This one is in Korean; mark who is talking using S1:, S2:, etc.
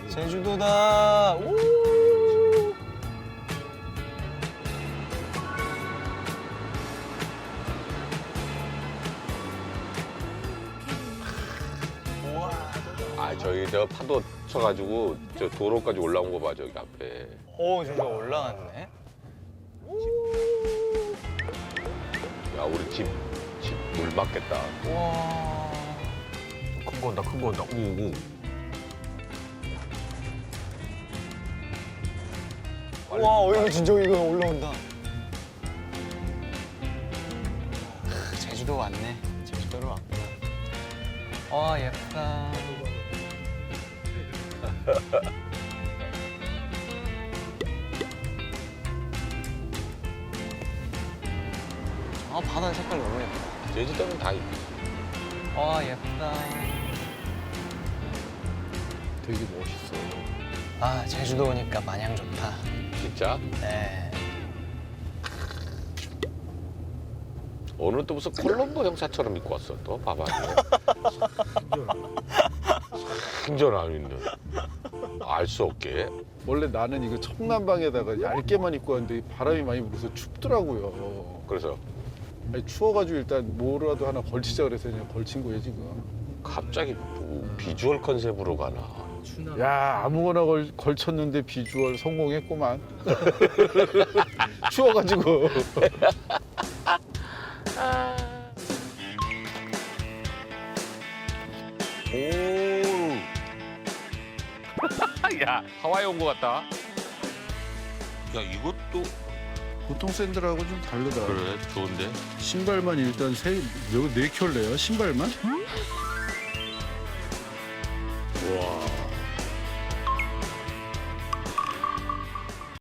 S1: 제주도다. 우!
S2: 아 저기 저 파도 쳐가지고 저 도로까지 올라온 거 봐 저기 앞에.
S1: 오, 저기 올라갔네.
S2: 야 우리 집 물 맞겠다.
S1: 와.
S2: 큰 거 온다 큰 거 온다. 우우.
S1: 와, 여기 진짜 이거 올라온다. 제주도 왔네. 제주도로 왔구나. 와, 예쁘다. 아, 바다 색깔 너무 예쁘다.
S2: 제주도는 다 있지.
S1: 와, 예쁘다.
S3: 되게 멋있어.
S1: 아, 제주도 오니까 마냥 좋다.
S2: 진짜?
S1: 네.
S2: 오늘 또 무슨 콜롬보 형사처럼 입고 왔어 또 봐봐. 생전 있는. 알 수 없게.
S3: 원래 나는 이거 청남방에다가 얇게만 입고 왔는데 바람이 많이 불어서 춥더라고요.
S2: 그래서
S3: 아니, 추워가지고 일단 뭐라도 하나 걸치자 그래서 그냥 걸친 거예요 지금.
S2: 갑자기 뭐 비주얼 컨셉으로 가나.
S3: 야 아무거나 걸쳤는데 비주얼 성공했구만. 추워가지고.
S2: 오. 야 하와이 온 거 같다. 야 이것도
S3: 보통 샌들하고 좀 다르다.
S2: 그래 좋은데.
S3: 신발만 일단 네 켤레요 신발만?